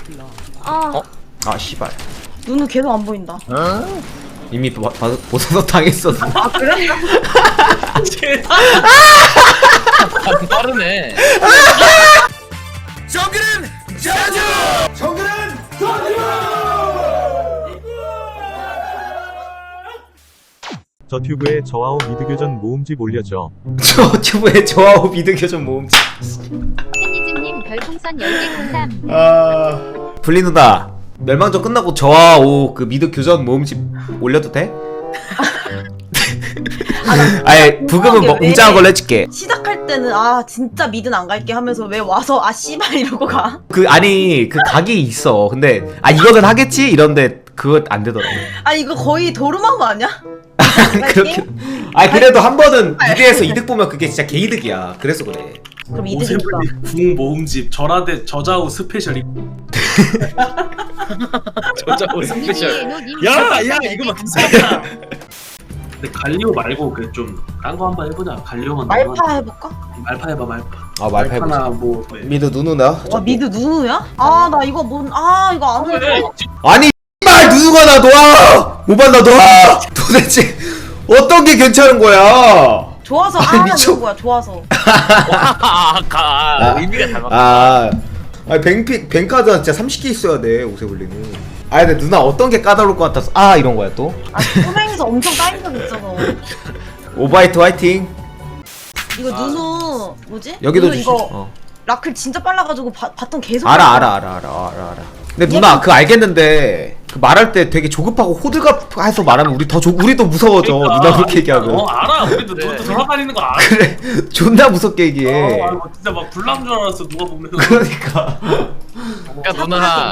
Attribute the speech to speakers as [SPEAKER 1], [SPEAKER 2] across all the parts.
[SPEAKER 1] 아,
[SPEAKER 2] 아 씨발
[SPEAKER 3] 눈은 계속 안 보인다.
[SPEAKER 2] 이미 보사서 당했어.
[SPEAKER 3] 아 그래?
[SPEAKER 4] 빠르네.
[SPEAKER 2] 정글은 자주! 정글은
[SPEAKER 5] 저 튜브에 저와오 미드교전 모음집 올려줘.
[SPEAKER 2] 저 튜브에 저하고 미드교전 모음집.
[SPEAKER 1] 팬니즘님 별풍선 10개 감사합니다.
[SPEAKER 2] 아... 블리 누나 멸망전 끝나고 저와 오 그 미드 교전 모음집 올려도 돼? 아예 부금은 뭐 웅장한 걸로 해줄게.
[SPEAKER 3] 시작할 때는 아 진짜 미드는 안 갈게 하면서 왜 와서 아 씨발 이러고 가?
[SPEAKER 2] 그 아니 그 각이 있어. 근데 아 이거는 하겠지 이런데 그거 안 되더라고.
[SPEAKER 3] 아 이거 거의 도루마무 아니야?
[SPEAKER 2] 아니 그렇게. 아니 그래도 한 번은 미드에서 이득 보면 그게 진짜 개이득이야. 그래서 그래.
[SPEAKER 3] 그럼 이득이다.
[SPEAKER 6] 궁 모음집 절하대 저자우 스페셜이.
[SPEAKER 4] 저자고 스페셜.
[SPEAKER 6] 야 이거 맞잖아. 근데 갈리오 말고 그 좀 딴 거 한번 해보자. 갈리오만
[SPEAKER 3] 말파 해볼까?
[SPEAKER 6] 말파 해봐 말파.
[SPEAKER 2] 아 말파 해보자.
[SPEAKER 6] 말파나 뭐
[SPEAKER 2] 미드 누누나?
[SPEAKER 3] 와 미드 누누야? 아 나 이거 이거 안 해.
[SPEAKER 2] 아니 말 누누가 나 놔! 모반 나 놔! 도대체 어떤 게 괜찮은 거야?
[SPEAKER 3] 좋아서
[SPEAKER 2] 아니,
[SPEAKER 3] 하는
[SPEAKER 2] 미쳐.
[SPEAKER 3] 거야 좋아서.
[SPEAKER 4] 의미가 닮았다.
[SPEAKER 2] 아 뱅카드 진짜 30개 있어야 돼 오세블리는. 아 근데 누나 어떤 게 까다로울 것 같아서 아 이런 거야 또?
[SPEAKER 3] 아 소맹에서 엄청 까인 적 있잖아.
[SPEAKER 2] 오바이트 화이팅.
[SPEAKER 3] 이거 누누 뭐지?
[SPEAKER 2] 여기도
[SPEAKER 3] 누누
[SPEAKER 2] 주시.
[SPEAKER 3] 이거 라클 진짜 빨라가지고 바텀 계속.
[SPEAKER 2] 알아. 근데 누나 그거 알겠는데 그 말할 때 되게 조급하고 호들갑 해서 말하면 우리도 무서워져. 누나 그렇게 얘기하면.
[SPEAKER 6] 알아. 우리도
[SPEAKER 4] 네.
[SPEAKER 6] 돌아다니는 거 알아.
[SPEAKER 2] 그래 존나 무섭게 얘기해.
[SPEAKER 6] 아 이거 진짜 막 불난 줄 알았어 누가 보면.
[SPEAKER 2] 그러니까.
[SPEAKER 4] 야 누나.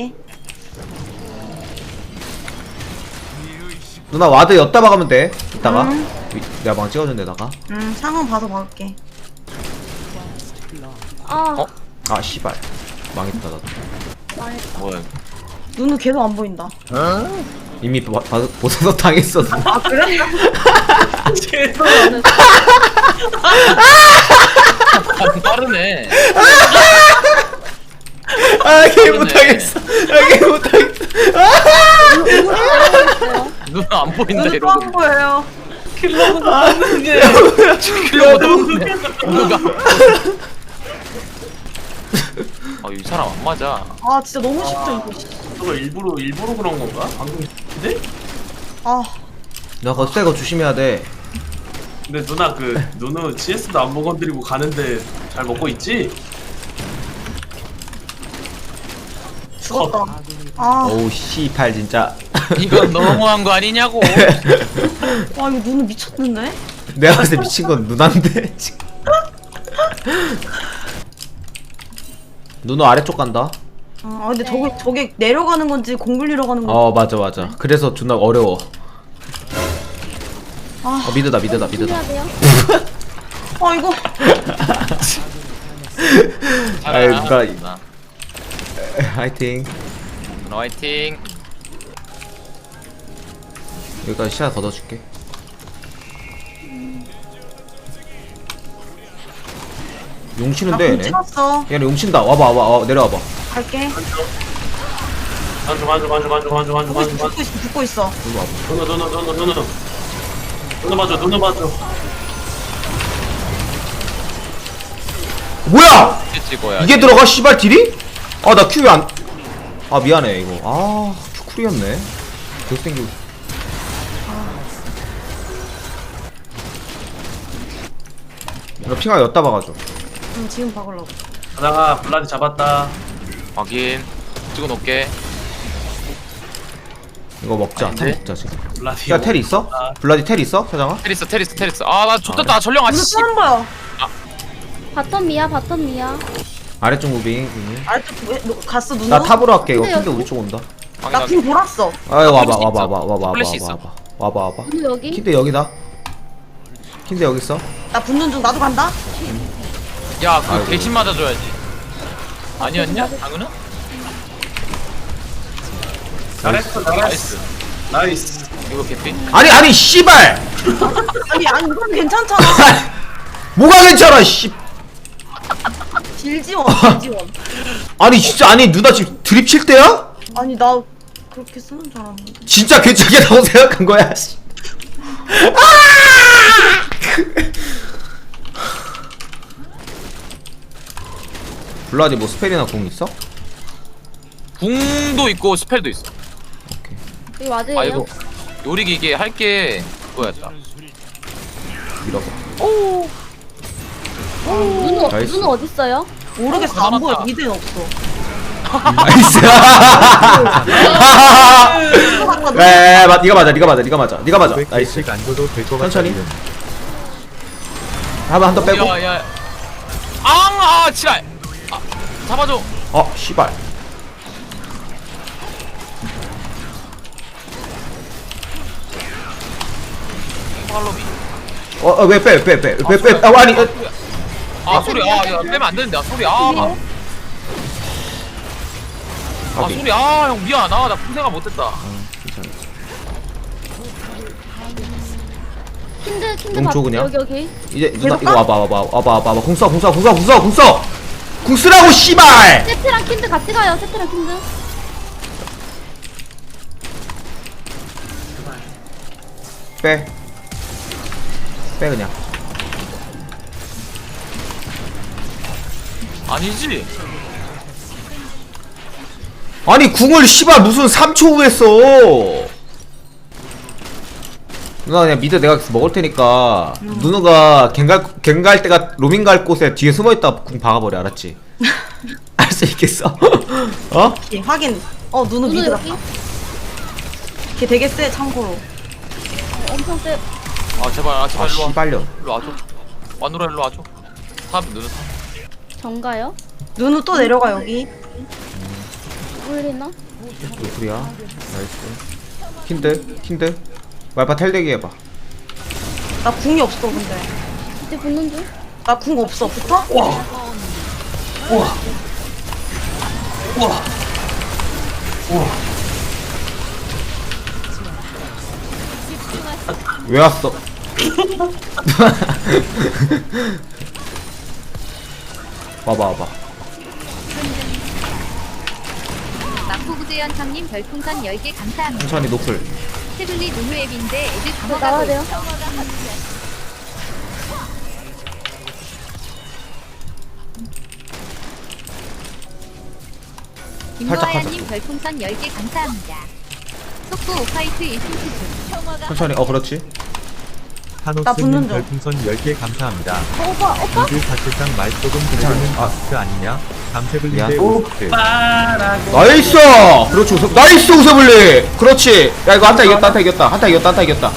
[SPEAKER 2] 누나 와드 엿다 박으면 돼. 이따가 내가 방 찍어준 데다가.
[SPEAKER 3] 상황 봐서 막을게.
[SPEAKER 1] 아,
[SPEAKER 2] 아 씨발 망했다 나도.
[SPEAKER 4] 뭐야?
[SPEAKER 3] 눈은 계속 안 보인다.
[SPEAKER 2] 이미 보사서 당했어.
[SPEAKER 3] 아 그래?
[SPEAKER 4] 빠르네.
[SPEAKER 2] 아개 못하겠어. 아개 못하겠어.
[SPEAKER 4] 누나 안 보인다
[SPEAKER 3] 눈은
[SPEAKER 4] 이러고.
[SPEAKER 3] 또안 보여요.
[SPEAKER 4] 누가? 아이 사람 안 맞아.
[SPEAKER 3] 아 진짜 너무 쉽죠 이거.
[SPEAKER 6] 저거 일부러 그런 건가? 방금 근데?
[SPEAKER 3] 아
[SPEAKER 2] 나 그거 쎄거 조심해야 돼.
[SPEAKER 6] 근데 누나 그 누누 CS도 안 먹어드리고 가는데 잘 먹고 있지?
[SPEAKER 3] 죽었다. 아,
[SPEAKER 2] 오우 씨팔 진짜.
[SPEAKER 4] 이건 너무한 거 아니냐고.
[SPEAKER 3] 와 이거 눈은 미쳤는데?
[SPEAKER 2] 내가 봤을 때 미친 건 누나인데 지금. 누나 아래쪽 간다.
[SPEAKER 3] 아 근데 저게 내려가는 건지 공굴리러 가는 건지.
[SPEAKER 2] 어 맞아. 그래서 존나 어려워.
[SPEAKER 3] 아,
[SPEAKER 2] 미드다.
[SPEAKER 1] 해야 돼요?
[SPEAKER 3] 아 이거.
[SPEAKER 2] 아이, 누나.
[SPEAKER 4] 누나.
[SPEAKER 2] 화이팅.
[SPEAKER 4] 누나 화이팅.
[SPEAKER 2] 여기까지 시야 걷어줄게. 용치는데 얘네.
[SPEAKER 3] 찍었어.
[SPEAKER 2] 얘네 용친다. 와봐 내려와봐.
[SPEAKER 3] 갈게.
[SPEAKER 6] 만져.
[SPEAKER 3] 붙고 있어.
[SPEAKER 2] 이리 와봐.
[SPEAKER 6] 누누 맞아.
[SPEAKER 2] 뭐야?
[SPEAKER 4] 찍어야.
[SPEAKER 2] 이게 들어가 씨발 딜이? 아 나 큐 왜 안? 아 미안해 이거. 아 큐 쿨이었네. 계속 생기고. 너 핑하 엿다 박아줘.
[SPEAKER 3] 응 지금 박으려고.
[SPEAKER 6] 가다가 블라디 잡았다.
[SPEAKER 4] 확인. 찍어놓게.
[SPEAKER 2] 이거 먹자.
[SPEAKER 4] 아닌데?
[SPEAKER 2] 텔 먹자 지금.
[SPEAKER 6] 블라디.
[SPEAKER 2] 야 텔 있어? 블라디 텔 있어? 사장아?
[SPEAKER 4] 테리스. 아나 좋겠다. 전령
[SPEAKER 3] 눈은
[SPEAKER 4] 아씨.
[SPEAKER 3] 또안 보여.
[SPEAKER 1] 바텀 미야.
[SPEAKER 2] 아래쪽 무빙. 무빙.
[SPEAKER 3] 아래쪽 갔어 눈은?
[SPEAKER 2] 나 탑으로 할게. 이거
[SPEAKER 1] 근데
[SPEAKER 2] 근데
[SPEAKER 1] 여기-
[SPEAKER 2] 우리 쪽 온다.
[SPEAKER 3] 나팀 돌았어.
[SPEAKER 2] 아 와봐.
[SPEAKER 4] 플래시 있어.
[SPEAKER 2] 와봐.
[SPEAKER 1] 누누 여기?
[SPEAKER 2] 킨데 여기다. 킨데 여기 있어.
[SPEAKER 3] 나 붙는 중 나도 간다.
[SPEAKER 4] 야 그거 대신 맞아줘야지. 아니었냐? 당근은?
[SPEAKER 6] 잘했어. 나이스.
[SPEAKER 4] 이거 개피?
[SPEAKER 2] 아니 씨발.
[SPEAKER 3] 아니 이건 괜찮잖아.
[SPEAKER 2] 뭐가 괜찮아 씨.
[SPEAKER 3] 딜 지원, 딜 지원.
[SPEAKER 2] 아니 진짜 아니 누나 지금 드립 칠 때야?
[SPEAKER 3] 아니 나 그렇게 쓰는 줄 알았는데.
[SPEAKER 2] 진짜 괜찮겠다고 생각한 거야. 씨. 블라디 뭐 스펠이나 공 있어?
[SPEAKER 4] 궁도 있고 스펠도 있어.
[SPEAKER 2] 오케이.
[SPEAKER 1] 이거 맞아요?
[SPEAKER 4] 아 이거 요리기 이게 할게 그거였다.
[SPEAKER 2] 밀어봐. 나이스.
[SPEAKER 1] 눈은 어딨어요?
[SPEAKER 3] 모르겠어. 안 보여. 미드는 없어.
[SPEAKER 2] 나이스. 네, 네가 맞아, 네가 맞아, 네가 맞아, 네가 맞아. 나이스.
[SPEAKER 5] 500개씩 안 줘도 될 것 같아.
[SPEAKER 2] 천천히. 한번 더 빼고.
[SPEAKER 4] 야야. 아 지랄. 아, 잡아줘.
[SPEAKER 2] 씨발.
[SPEAKER 4] 팔로미.
[SPEAKER 2] 왜 빼. 아니.
[SPEAKER 4] 아 소리 야 빼면 안 되는데 소리 아 소리 형 미안 나 풍생각 못했다.
[SPEAKER 1] 킨드
[SPEAKER 2] 용초 그냥?
[SPEAKER 1] 여기
[SPEAKER 2] 이제 누나 이거 와봐. 궁 써. 궁 쓰라고 씨발.
[SPEAKER 1] 세트랑 킨드 같이 가요. 세트랑 킨드.
[SPEAKER 2] 빼 그냥.
[SPEAKER 4] 아니지.
[SPEAKER 2] 아니 궁을 씨발 무슨 3초 후에 써. 누나 그냥 미드 내가 먹을 테니까 누나가 갱갈 때가 로밍 갈 곳에 뒤에 숨어있다 궁 박아버려. 알았지? 알 수 있겠어? 어?
[SPEAKER 3] 예, 확인. 누누 미드
[SPEAKER 1] 여기
[SPEAKER 3] 같다. 걔 되게 세 참고로.
[SPEAKER 1] 엄청 세.
[SPEAKER 4] 아 제발 일로 와.
[SPEAKER 2] 씨발려.
[SPEAKER 4] 일로 와줘. 와누라 일로 와줘. 탑 누르 탑.
[SPEAKER 1] 정가요?
[SPEAKER 3] 누누 또 내려가 여기.
[SPEAKER 1] 울리나?
[SPEAKER 2] 노플이야. 나이스. 킨드. 말파 텔대기 해봐.
[SPEAKER 3] 나 궁이 없어 근데.
[SPEAKER 1] 이제 붙는 중.
[SPEAKER 3] 나 궁 없어. 붙어?
[SPEAKER 6] 우와.
[SPEAKER 2] 왜 왔어? 와봐.
[SPEAKER 1] 마포구제연상님 별풍선 10개 감사합니다.
[SPEAKER 2] 천천히 노플.
[SPEAKER 1] 테블리 누누 앱인데 애들 다
[SPEAKER 3] 나와야
[SPEAKER 1] 먹어가고
[SPEAKER 3] 돼요?
[SPEAKER 1] 김노아야님 별풍선 10개 감사합니다. 속보 오파이트 1승 수준.
[SPEAKER 2] 천천히. 그렇지.
[SPEAKER 3] 나 붙는
[SPEAKER 5] 타노스님
[SPEAKER 3] 중.
[SPEAKER 5] 별풍선 10개 감사합니다.
[SPEAKER 1] 오빠.
[SPEAKER 5] 미드 사실상 말 조금 들리는 아스트 아니냐? 감세블리 대
[SPEAKER 2] 미안.
[SPEAKER 5] 오스트.
[SPEAKER 6] 빠라고.
[SPEAKER 2] 나이스! 그렇지. 나이스 우세블리! 그렇지. 야 이거 한타 이겼다.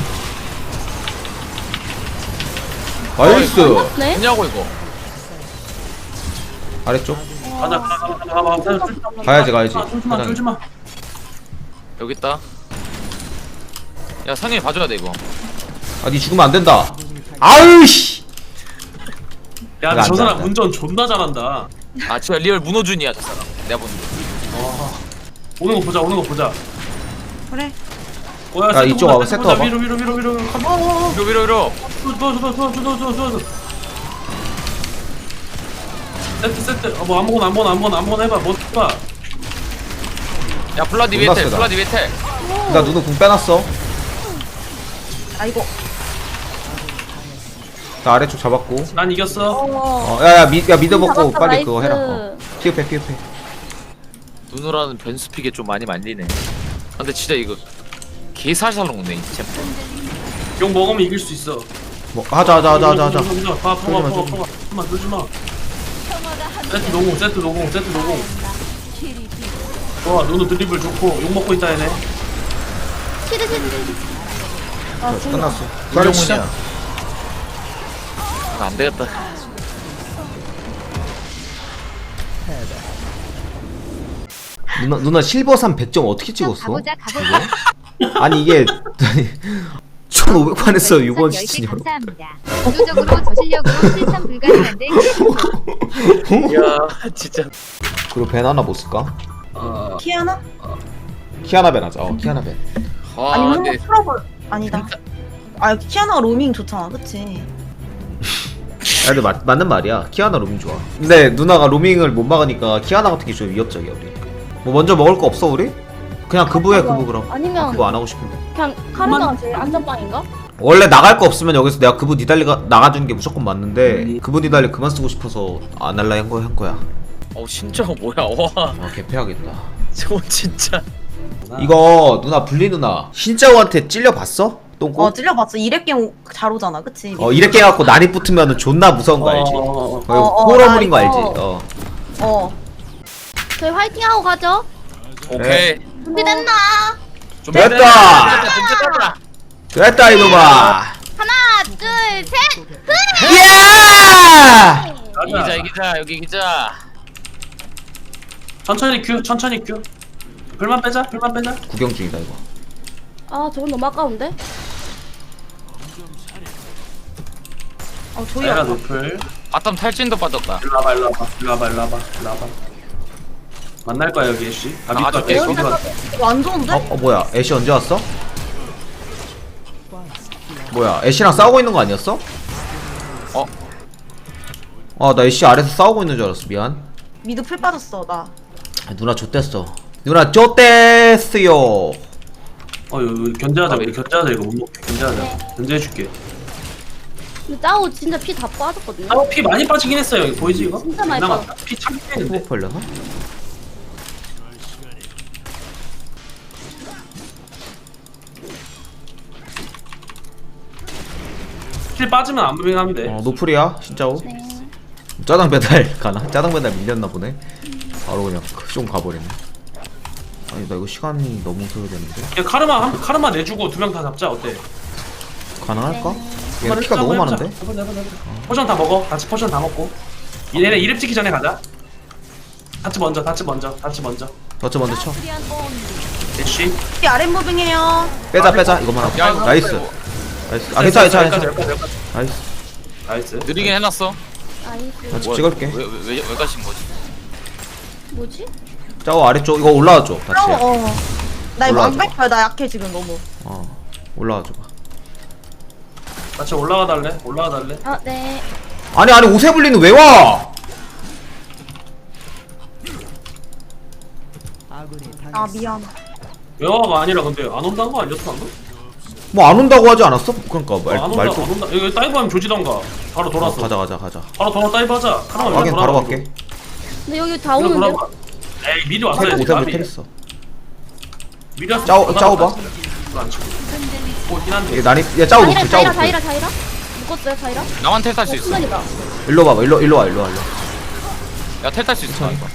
[SPEAKER 2] 나이스.
[SPEAKER 1] 네?
[SPEAKER 4] 뭐냐고 이거.
[SPEAKER 2] 아래쪽.
[SPEAKER 6] 가자.
[SPEAKER 2] 가야지.
[SPEAKER 6] 쫄지 마.
[SPEAKER 4] 여기 있다. 야 상현이 봐줘야 돼 이거.
[SPEAKER 2] 니 죽으면 안 된다. 아으씨.
[SPEAKER 6] 야,
[SPEAKER 2] 이거
[SPEAKER 6] 저
[SPEAKER 2] 안
[SPEAKER 6] 사람
[SPEAKER 2] 돼.
[SPEAKER 6] 운전 존나 잘한다.
[SPEAKER 4] 아 진짜 리얼 문호준이야 저 사람. 내가 본.
[SPEAKER 6] 오는 거 보자.
[SPEAKER 3] 그래.
[SPEAKER 6] 야,
[SPEAKER 2] 야, 이쪽 와봐, 세트 와봐.
[SPEAKER 6] 위로.
[SPEAKER 4] 위로.
[SPEAKER 6] 줘. 세트. 뭐 아무거나 해봐. 뭐 해봐.
[SPEAKER 4] 야 블라디
[SPEAKER 2] 존나
[SPEAKER 4] 위에 텔.
[SPEAKER 2] 세다.
[SPEAKER 4] 블라디 위에 텔.
[SPEAKER 2] 나 누누 궁 빼놨어.
[SPEAKER 3] 아이고.
[SPEAKER 2] 나 아래쪽 잡았고.
[SPEAKER 6] 난 이겼어.
[SPEAKER 2] 야야 미드 먹고
[SPEAKER 1] 잡았다,
[SPEAKER 2] 빨리
[SPEAKER 1] 나이스.
[SPEAKER 2] 그거 해라. 피흡해.
[SPEAKER 4] 누누라는 변수픽에 좀 많이 말리네. 근데 진짜 이거 개살살 녹네 이 챔프.
[SPEAKER 6] 용 먹으면 이길 수 있어.
[SPEAKER 2] 뭐 하자.
[SPEAKER 6] 봐.
[SPEAKER 2] 쫄지 마.
[SPEAKER 6] 쫄지 마. 세트 노공. 좋아, 누누 드리블 좋고 욕 먹고 있다 얘네.
[SPEAKER 1] 치드.
[SPEAKER 2] 끝났어.
[SPEAKER 4] 이정훈이야. 안 되겠다.
[SPEAKER 2] 누나 실버산 100점 어떻게 찍었어?
[SPEAKER 1] 가보자.
[SPEAKER 2] 아니 이게 1500판에서 6번 시즌이요.
[SPEAKER 1] 감사합니다. 구조적으로 저 실력으로 실천 불가능한데
[SPEAKER 4] 야 진짜.
[SPEAKER 2] 그리고 벤 하나 못 쓸까?
[SPEAKER 3] 키아나?
[SPEAKER 2] 키아나 벤 하자. 키아나 벤.
[SPEAKER 4] 아
[SPEAKER 3] 아니면
[SPEAKER 4] 근데
[SPEAKER 3] 한번 풀어볼. 아니다. 키아나가 로밍 좋잖아, 그치?
[SPEAKER 2] 근데 맞는 말이야. 키아나 로밍 좋아. 근데 누나가 로밍을 못 막으니까 키아나 같은 게 좀 위협적이야 우리. 뭐 먼저 먹을 거 없어 우리? 그냥 그부해 그부 그럼.
[SPEAKER 7] 아니면
[SPEAKER 2] 그부 안 하고 싶은데.
[SPEAKER 7] 그냥 카르마가 제일 안전빵인가?
[SPEAKER 2] 원래 나갈 거 없으면 여기서 내가 그부 니달리가 나가주는 게 무조건 맞는데 그부 니달리 그만 쓰고 싶어서 안 할라 한 거야.
[SPEAKER 4] 진짜 뭐야 와
[SPEAKER 2] 아 개패하겠다.
[SPEAKER 4] 저거 진짜
[SPEAKER 2] 이거 누나 블리 누나 신짜오한테 찔려 봤어? 똥꼬?
[SPEAKER 3] 찔려봤어. 이랩갱 잘 오잖아, 그치?
[SPEAKER 2] 이렇게 해갖고 난이 붙으면 존나 무서운 거 알지? 호러물인 거
[SPEAKER 3] 나
[SPEAKER 2] 알지?
[SPEAKER 3] 이거.
[SPEAKER 7] 저희 화이팅하고 가죠.
[SPEAKER 4] 오케이
[SPEAKER 7] 준비됐나?
[SPEAKER 4] 좀
[SPEAKER 2] 됐다! 됐다 이놈아!
[SPEAKER 7] 하나, 둘, 셋.
[SPEAKER 2] 예!
[SPEAKER 4] 이기자 여기 이기자
[SPEAKER 6] 천천히 큐. 불만 빼자.
[SPEAKER 2] 구경 중이다 이거.
[SPEAKER 7] 아, 저건 너무 아까운데?
[SPEAKER 3] 조이야.
[SPEAKER 6] 내가 노플.
[SPEAKER 4] 바텀 탈진도 빠졌다
[SPEAKER 6] 일로 와봐. 만날 거야 여기 애쉬.
[SPEAKER 4] 나가줄게,
[SPEAKER 6] 밑에
[SPEAKER 4] 이거.
[SPEAKER 6] 거기
[SPEAKER 3] 이거 안 좋은데?
[SPEAKER 2] 뭐야 애쉬 언제 왔어? 뭐야 애쉬랑 싸우고 있는 거 아니었어? 나 애쉬 아래서 싸우고 있는 줄 알았어. 미안.
[SPEAKER 3] 미드 풀 빠졌어, 나.
[SPEAKER 2] 누나 좆됐어. 누나 좆됐어요.
[SPEAKER 6] 여기 견제하자. 우리 견제하자. 이거 못 먹게. 견제하자. 견제해줄게.
[SPEAKER 7] 근데 짜오 진짜 피 다 빠졌거든요.
[SPEAKER 6] 피 많이 빠지긴 했어요. 여기 보이지 이거?
[SPEAKER 7] 진짜 많이
[SPEAKER 6] 남았다. 피참 빼는데.
[SPEAKER 2] 또 걸려나?
[SPEAKER 6] 킬 빠지면 안 무빙하면 돼.
[SPEAKER 2] 노플이야 진짜오.
[SPEAKER 7] 네.
[SPEAKER 2] 짜장 배달 가나? 짜장 배달 밀렸나 보네. 바로 그냥 좀 가버리네. 아니 나 이거 시간이 너무 소요되는데.
[SPEAKER 6] 야, 카르마 내주고 2명 다 잡자. 어때?
[SPEAKER 2] 가능할까? 얘 피가 너무 많은데?
[SPEAKER 6] 포션 다 먹어. 같이 포션 다 먹고. 얘네 이랩 찍기 전에 가자. 다치 먼저.
[SPEAKER 2] 더치 먼저 쳐.
[SPEAKER 6] 애쉬.
[SPEAKER 3] 이 아랫 무빙해요.
[SPEAKER 2] 빼자 이거만 하고.
[SPEAKER 4] 야, 이거
[SPEAKER 2] 나이스. 아 괜찮아.
[SPEAKER 6] 여기까지.
[SPEAKER 2] 나이스.
[SPEAKER 6] 나이스.
[SPEAKER 4] 느리긴 해놨어
[SPEAKER 7] 나이스.
[SPEAKER 2] 같이 찍을게.
[SPEAKER 4] 왜 가신 거지?
[SPEAKER 7] 뭐지?
[SPEAKER 2] 짜오 아래쪽 이거 올라와줘. 같이.
[SPEAKER 3] 나 이거
[SPEAKER 2] 올라와줘.
[SPEAKER 3] 안 갈 거야. 나 약해, 지금 너무.
[SPEAKER 2] 올라와줘 봐.
[SPEAKER 6] 같이 올라가 달래.
[SPEAKER 7] 아, 네.
[SPEAKER 2] 아니 오세블리는 왜 와?
[SPEAKER 3] 아, 미안.
[SPEAKER 6] 외화가 아니라 근데 안 온다는 거 아니었어 방금?
[SPEAKER 2] 뭐 안 온다고 하지 않았어? 그러니까
[SPEAKER 6] 안 온다. 이거 다이브하면 조지던가. 바로 돌았어.
[SPEAKER 2] 가자.
[SPEAKER 6] 바로 돌아 다이브하자. 카르마
[SPEAKER 2] 확인 바로 갈게.
[SPEAKER 7] 근데 여기 다 오는데?
[SPEAKER 6] 에이 미리 왔어야지.
[SPEAKER 2] 오세블리 테리스.
[SPEAKER 6] 미리 왔어.
[SPEAKER 2] 짜오 봐.
[SPEAKER 6] 안 치고. 오긴 한데.
[SPEAKER 2] 이게 난이 야 짜오 노플 짜오 노플.
[SPEAKER 7] 자이라. 묶었어요, 자이라?
[SPEAKER 4] 나만 텔 탈 수 있어
[SPEAKER 7] 순간이다.
[SPEAKER 2] 일로 와봐. 일로 와.
[SPEAKER 4] 야 텔 탈 수 있어 이거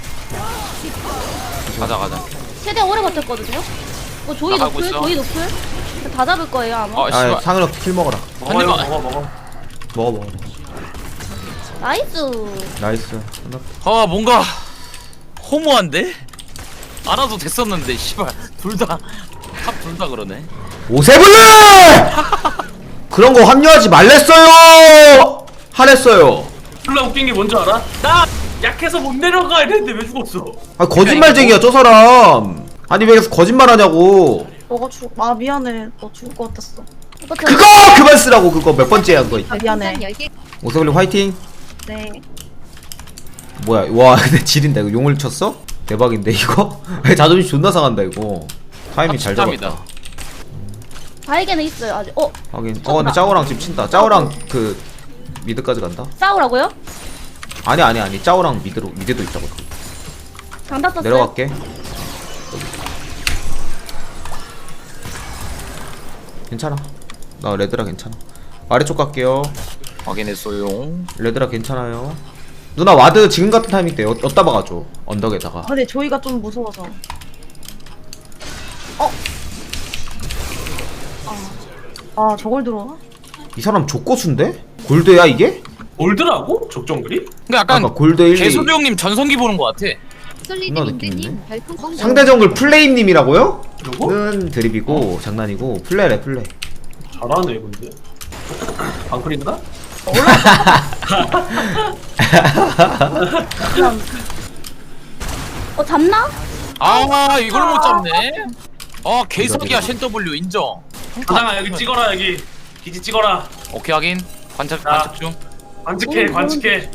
[SPEAKER 4] 가자
[SPEAKER 7] 최대한 오래 버텼거든요? 조이
[SPEAKER 4] 나가고
[SPEAKER 7] 노플,
[SPEAKER 4] 있어.
[SPEAKER 7] 조이 노플. 다 잡을 거예요, 아마.
[SPEAKER 2] 아
[SPEAKER 4] 씨발
[SPEAKER 2] 상은아 킬 먹어라.
[SPEAKER 6] 먹어.
[SPEAKER 2] 먹어.
[SPEAKER 7] 나이스.
[SPEAKER 2] 나이스.
[SPEAKER 4] 뭔가 허무한데? 안 와도 됐었는데 씨발 둘 다 그러네
[SPEAKER 2] 오세블리! 그런 거 합류하지 말랬어요. 하랬어요.
[SPEAKER 6] 졸라 웃긴 게 뭔지 알아? 나 약해서 못 내려가 이랬는데 왜 죽었어?
[SPEAKER 2] 아 거짓말쟁이야 저 사람. 아니 왜 거짓말하냐고.
[SPEAKER 3] 너가 아, 미안해. 너 죽을 것 같았어.
[SPEAKER 2] 그거 그만 쓰라고. 그거 몇 번째 한 거.
[SPEAKER 3] 아, 미안해.
[SPEAKER 1] 10개
[SPEAKER 2] 오세블리 화이팅.
[SPEAKER 3] 네.
[SPEAKER 2] 뭐야 와 근데 지린다. 이거 용을 쳤어? 대박인데 이거? 자존심 존나 상한다 이거. 타이밍 잘
[SPEAKER 4] 합치tam이다.
[SPEAKER 2] 잡았다.
[SPEAKER 7] 바이게는 있어요, 아직.
[SPEAKER 2] 하긴 근데 짜오랑 지금 친다. 짜오랑 그 미드까지 간다.
[SPEAKER 7] 싸우라고요?
[SPEAKER 2] 아니 짜오랑 미드도 있다고.
[SPEAKER 7] 장다 썼어요.
[SPEAKER 2] 내려갈게. 괜찮아. 나 레드라 괜찮아. 아래쪽 갈게요.
[SPEAKER 4] 확인했어요
[SPEAKER 2] 레드라 괜찮아요. 누나 와드 지금 같은 타이밍 때 어디다 박아줘. 언덕에다가.
[SPEAKER 3] 근데 조이가 좀 무서워서. 저걸 들어와?
[SPEAKER 2] 이 사람 족고수인데? 골드야 이게?
[SPEAKER 6] 올드라고? 적정글이?
[SPEAKER 4] 근데 약간
[SPEAKER 2] 아까 골드 1, 2
[SPEAKER 4] 개소리 형님 전성기 보는 거 같아
[SPEAKER 2] 존나 느낌 있네.
[SPEAKER 1] 솔리드님드님 별풍선
[SPEAKER 2] 상대 정글 플레임님이라고요?
[SPEAKER 6] 누구?
[SPEAKER 2] 는 드립이고 장난이고 플레이래 플레이.
[SPEAKER 6] 잘하네 근데. 방클인가?
[SPEAKER 7] 잡나?
[SPEAKER 4] 이걸 못 잡네 개사기야 쉔 W 인정
[SPEAKER 6] 가장아 여기 찍어라 여기. 기지 찍어라.
[SPEAKER 4] 오케이 확인 관측 중
[SPEAKER 6] 관측해 관측해.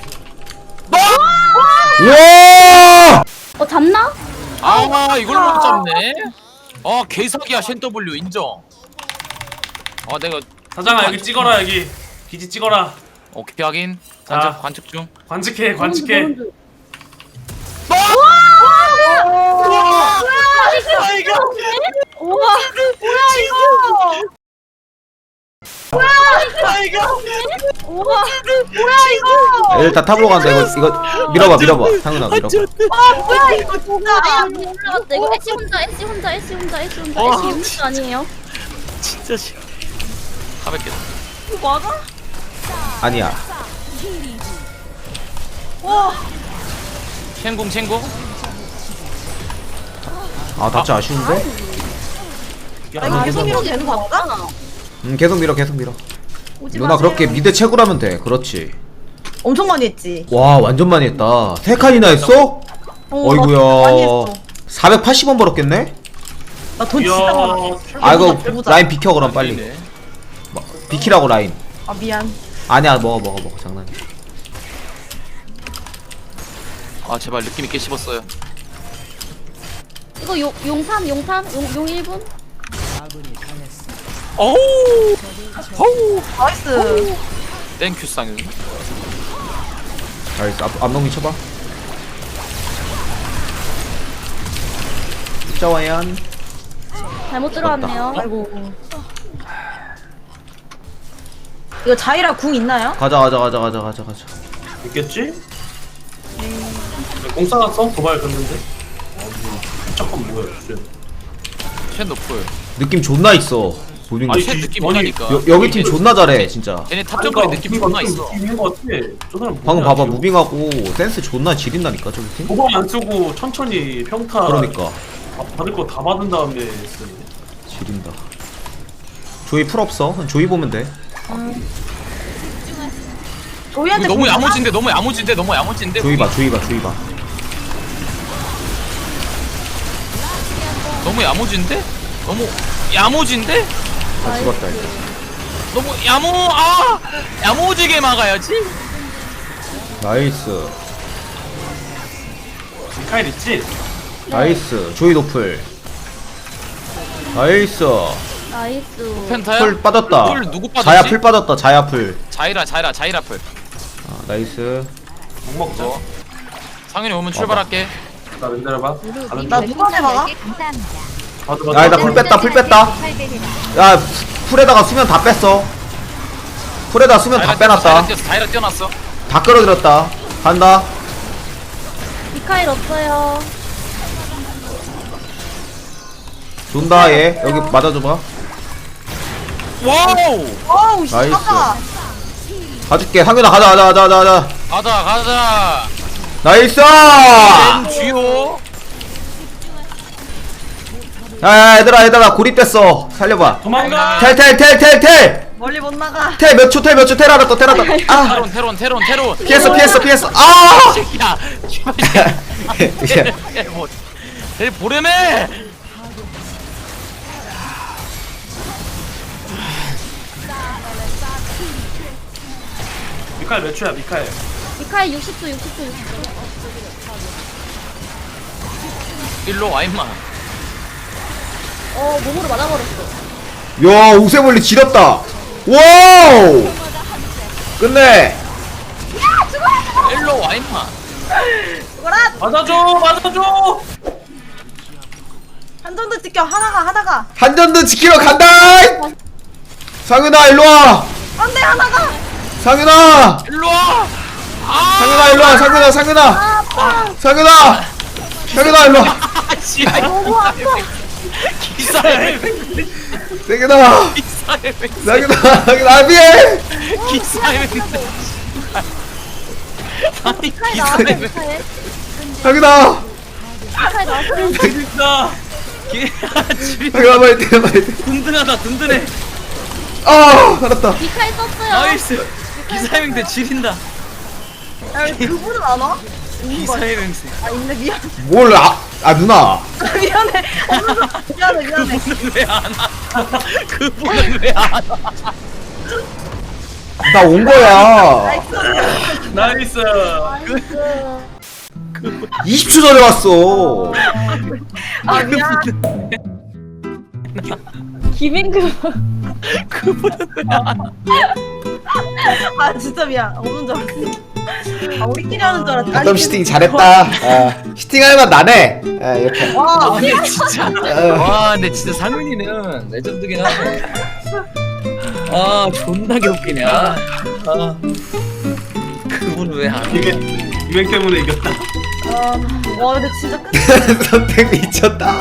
[SPEAKER 2] 우와!
[SPEAKER 7] 잡나?
[SPEAKER 4] 아 이걸 못 잡네. 개사기야 쉔 W 인정. 내가
[SPEAKER 6] 사장아 여기 찍어라 여기. 기지 찍어라.
[SPEAKER 4] 오케이 확인.
[SPEAKER 6] 자.
[SPEAKER 4] 관측 중.
[SPEAKER 6] 관측해 관측해.
[SPEAKER 3] 우와 우와 뭐야 이거
[SPEAKER 2] 애들 다 탑으로 간다. 이거 밀어봐. 상윤아 밀어봐.
[SPEAKER 3] 뭐야 이거 진짜
[SPEAKER 7] 올라갔다. 이거 애쉬 혼자. 애쉬 혼자 아니에요?
[SPEAKER 4] 진짜 싫어. 400개.
[SPEAKER 3] 맞아?
[SPEAKER 2] 아니야.
[SPEAKER 3] 와
[SPEAKER 4] 쉔궁.
[SPEAKER 2] 아 다치 아쉬운데?
[SPEAKER 3] 나 이거 계속 밀어도 되는 거 맞아?
[SPEAKER 2] 계속 밀어.
[SPEAKER 3] 오지
[SPEAKER 2] 누나
[SPEAKER 3] 마세요.
[SPEAKER 2] 그렇게 미드 채굴하면 돼. 그렇지.
[SPEAKER 3] 엄청 많이 했지
[SPEAKER 2] 와 완전 많이 했다. 3칸이나 했어? 어이구야.
[SPEAKER 3] 많이 했어
[SPEAKER 2] 480원 벌었겠네?
[SPEAKER 3] 나 돈
[SPEAKER 6] 이야.
[SPEAKER 3] 진짜 많아
[SPEAKER 2] 아 이거
[SPEAKER 3] 해보자.
[SPEAKER 2] 라인 비켜 그럼 빨리. 비키라고 라인.
[SPEAKER 3] 아 미안
[SPEAKER 2] 아니야 먹어 장난이야.
[SPEAKER 4] 제발 느낌 있게 씹었어요.
[SPEAKER 7] 이거 용 1분?
[SPEAKER 3] 나이스
[SPEAKER 4] 땡큐 쌍윤.
[SPEAKER 2] 나이스 앞nom이 쳐봐. 짜와얀.
[SPEAKER 7] 잘못 들어왔네요.
[SPEAKER 3] 아이고 이거 자이라 궁 있나요?
[SPEAKER 2] 가자.
[SPEAKER 6] 있겠지? 공 쏴놨어? 도발 갔는데? 잠깐 뭐야
[SPEAKER 4] 쉔 노플.
[SPEAKER 2] 느낌 존나 있어. 보는 거.
[SPEAKER 6] 아니,
[SPEAKER 4] 쉔 느낌
[SPEAKER 6] 아니,
[SPEAKER 4] 있다니까.
[SPEAKER 2] 여기 팀 존나 잘해 진짜.
[SPEAKER 4] 쟤네 탑정거리 느낌 존나 있어.
[SPEAKER 6] 있는 거 같아. 저 사람
[SPEAKER 2] 방금
[SPEAKER 6] 뭐냐,
[SPEAKER 2] 봐봐
[SPEAKER 6] 지금.
[SPEAKER 2] 무빙하고 센스 존나 지린다니까 저기 팀.
[SPEAKER 6] 도발 안 쓰고 천천히 평타.
[SPEAKER 2] 그러니까
[SPEAKER 6] 받을 거 다 받은 다음에 쓰는데.
[SPEAKER 2] 지린다. 조이 풀 없어. 조이 보면 돼.
[SPEAKER 3] 조이한테
[SPEAKER 4] 너무
[SPEAKER 3] 궁 있나?
[SPEAKER 4] 야무진데.
[SPEAKER 2] 조이 봐.
[SPEAKER 4] 너무 야무진데?
[SPEAKER 2] 아 죽었다 이거.
[SPEAKER 4] 너무 야무지게 막아야지.
[SPEAKER 2] 나이스.
[SPEAKER 6] 미카엘 있지?
[SPEAKER 2] 나이스. 조이 노플. 나이스.
[SPEAKER 7] 나이스.
[SPEAKER 4] 펜타야?
[SPEAKER 2] 풀 빠졌다.
[SPEAKER 4] 풀 누구 빠졌지?
[SPEAKER 2] 자야 풀 빠졌다. 자야 풀.
[SPEAKER 4] 자이라 풀.
[SPEAKER 2] 아, 나이스.
[SPEAKER 6] 못 먹자.
[SPEAKER 4] 상윤이 오면 출발할게.
[SPEAKER 6] 나 렌달해봐.
[SPEAKER 3] 나 누구한테 막아?
[SPEAKER 1] 감사합니다.
[SPEAKER 2] 야, 나 풀 뺐다. 야, 풀에다가 수면 다 뺐어. 풀에다 수면 다 빼놨다.
[SPEAKER 4] 자이라 뛰어났어.
[SPEAKER 2] 다 끌어들였다. 간다.
[SPEAKER 7] 미카엘 없어요.
[SPEAKER 2] 존다 얘. 여기 맞아줘봐.
[SPEAKER 4] 와우.
[SPEAKER 3] 어우 씨
[SPEAKER 2] 나이스.
[SPEAKER 3] 깜짝아
[SPEAKER 2] 가줄게. 상윤아 가자.
[SPEAKER 4] 가자.
[SPEAKER 2] 나이스.
[SPEAKER 4] 쥐오.
[SPEAKER 2] 야, 얘들아 고립됐어. 살려봐.
[SPEAKER 6] 도망가.
[SPEAKER 2] 텔.
[SPEAKER 3] 멀리 못 나가
[SPEAKER 2] 텔 몇 초 텔 알았다. 아,
[SPEAKER 4] 테론.
[SPEAKER 2] 피했어. 아!
[SPEAKER 4] 야. 쟤 보려매.
[SPEAKER 6] 미카엘 몇 초야 미카엘?
[SPEAKER 7] 미카엘 60초.
[SPEAKER 4] 일로 와 임마.
[SPEAKER 7] 몸으로 맞아버렸어.
[SPEAKER 2] 야, 우세벌리 지렸다. 와우! 끝내.
[SPEAKER 4] 일로 와 임마.
[SPEAKER 6] 맞아줘.
[SPEAKER 3] 한 정도 찍혀 하나가
[SPEAKER 2] 한전도 지키러 간다. 상윤아 일로 와.
[SPEAKER 3] 안돼 하나가
[SPEAKER 2] 상윤아.
[SPEAKER 4] 일로 와.
[SPEAKER 2] 상윤아 일로 와. 상윤아 일로 와.
[SPEAKER 4] 아씨.
[SPEAKER 3] 너무 아파
[SPEAKER 4] 기사의
[SPEAKER 2] 상윤아 미해.
[SPEAKER 4] 기사의 아니
[SPEAKER 7] 미카엘 나왔어.
[SPEAKER 4] 기사의
[SPEAKER 7] 미카엘
[SPEAKER 2] 상윤아
[SPEAKER 7] 나왔어요.
[SPEAKER 6] 진짜.
[SPEAKER 2] 상윤아 빨리 돼.
[SPEAKER 4] 든든하다 든든해.
[SPEAKER 2] 아 알았다.
[SPEAKER 7] 미카엘 썼어요.
[SPEAKER 4] 나이스. 기사의 맹세 지린다.
[SPEAKER 3] 야 왜 그분은 안 와?
[SPEAKER 4] 기사의 맹세.
[SPEAKER 3] 아 있네 미안
[SPEAKER 2] 뭘 누나.
[SPEAKER 3] 미안해 미안해
[SPEAKER 4] 그분은 왜 안 와? 그분은 왜 안 와?
[SPEAKER 2] 나 온 거야.
[SPEAKER 6] 나이스.
[SPEAKER 2] 20초 전에 왔어.
[SPEAKER 3] 아 미안.
[SPEAKER 7] 김인구.
[SPEAKER 3] 아 진짜 미안. 없는 줄 알았어. 아 우리끼리 하는 줄 알았다.
[SPEAKER 2] 가끔 시팅 잘했다. 시팅할 만 나네. 이렇게.
[SPEAKER 3] 와.
[SPEAKER 4] 근데 진짜 와 근데 진짜 상윤이는 레전드긴 하네. 아 존나게 웃기네. 그분은 왜 안?
[SPEAKER 6] 유행 때문에 이겼다.
[SPEAKER 3] 와 근데 진짜 끝.
[SPEAKER 2] 선택 미쳤다.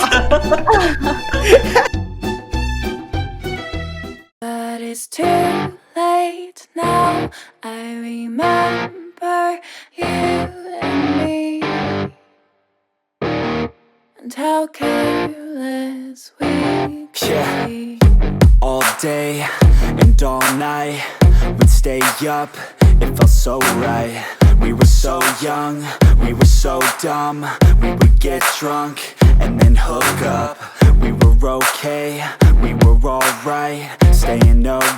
[SPEAKER 8] But it's too late now. I remember you and me, and how careless we could be.
[SPEAKER 9] All day and all night, we'd stay up, it felt so right. We were so young, we were so dumb. We would get drunk and then hook up. We were okay, we were alright, staying up